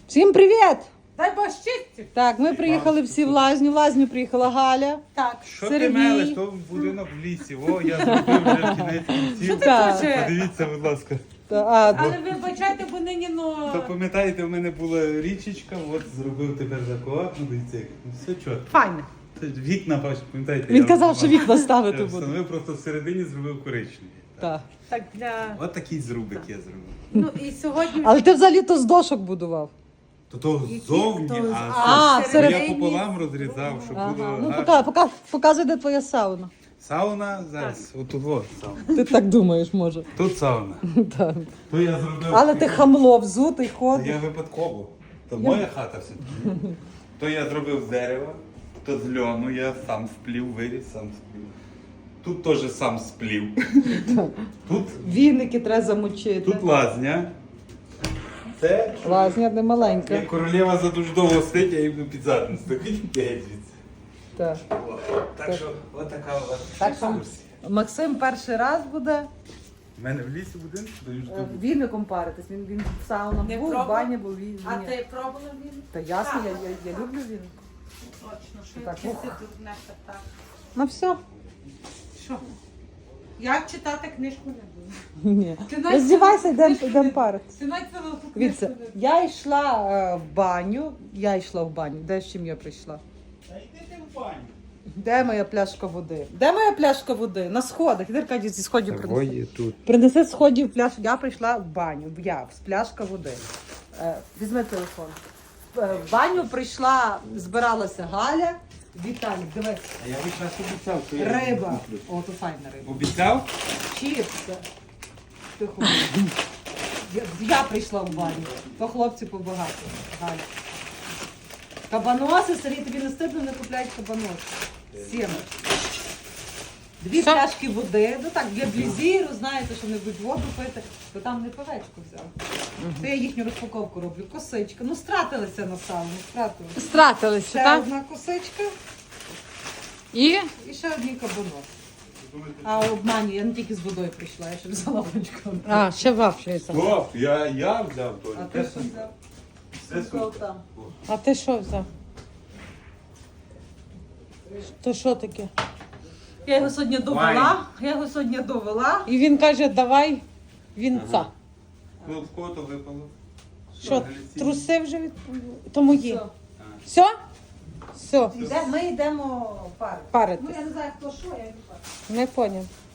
Всім привіт! Дай Бог щастя. Так, ми приїхали всі в лазню. В лазню приїхала Галя. Так. Що Сергій. ти мелиш? То будинок в лісі. О, я зробив вже в кінець кінців. Так. Подивіться, будь ласка. Але вибачайте, бо нині, То пам'ятаєте, в мене була річечка, от зробив тепер закоап, ну дивіться, все чітко. файне. Це ж вікна, пам'ятаєте? Він я казав, що вікна я ставити буде. встановив, просто всередині зробив коричневі. Так. Так для... От такий зрубик я зробив. Ну і сьогодні... Але ти взагалі то з дошок будував. То ззовні, то- А, я всередині. пополам розрізав, щоб було Ага. Ну, гарно. показуй, де твоя сауна. Сауна зараз, отут от сауна. Ти так думаєш, може. Тут сауна. Так. То я зробив. Але ти хамло, взутий, Та ходиш. я випадково. То моя хата все. То я зробив з дерева, то з льону, я сам сплів, виріс, сам сплів. Тут теж сам сплів. Тут, Віники треба замочити. тут лазня. Це Лазня не маленька. як королева за дуже довго сидить, я їм під задницю. Так геть звідси. Так. Так що, отака у вас Так що екскурсія. Максим перший раз буде У мене в лісі будинку, то ж тут. віником паритись. Він в саунах Не був, в пробував? бані був. А ти пробувала він? Та ясно, я люблю віник. Точно, що Так, я ух. тут не так. Ну все. Що? Як читати книжку не буду. Ні. Ти навіть Роздівайся, цілу йдемо книжку не- паритись. Ти навіть цілу книжку Дивіться, не буду. я йшла в баню. Де з чим я прийшла? Та йди ти в баню. Де моя пляшка води? Де моя пляшка води? На сходах. Іди, Аркадій, зі сходів принеси. тут. Принеси з сходів пляшку. Я прийшла в баню. З пляшка води. Візьми телефон. В баню прийшла, збиралася Галя. Віталік, дивись. А я весь час обіцяв, що я Риба. куплю. О, то файна риба. Обіцяв? Чіпси. Тихо. Я прийшла в баню. То хлопці побагато. Галя. Кабаноси, Сергій, тобі не стидно, не купляють кабаноси. 7. Дві пляшки води. Ну так, для блізіру, знаєте, що не будуть воду пити, то там не пивечку взяв. То я їхню розпаковку роблю. Косичка. Ну, стратилися на сауну, стратилися. Стратилися, Ще так? одна косичка І і ще одні кабаноси. А обманю, я не тільки з водою прийшла, я ще взяла бочку. ще вафлюється. Стоп, я взяв А Толі. ти що взяв? Все Що супер. там? А ти що взяв? То що таке? Я його сьогодні довела. І він каже, давай вінца. Ну, в кого то випало? Що, Галіцин? труси вже від... То мої. Все. Все? Все, Ми йдемо пари. парити. Ну я не знаю, хто що, я йду пари. Не поняв.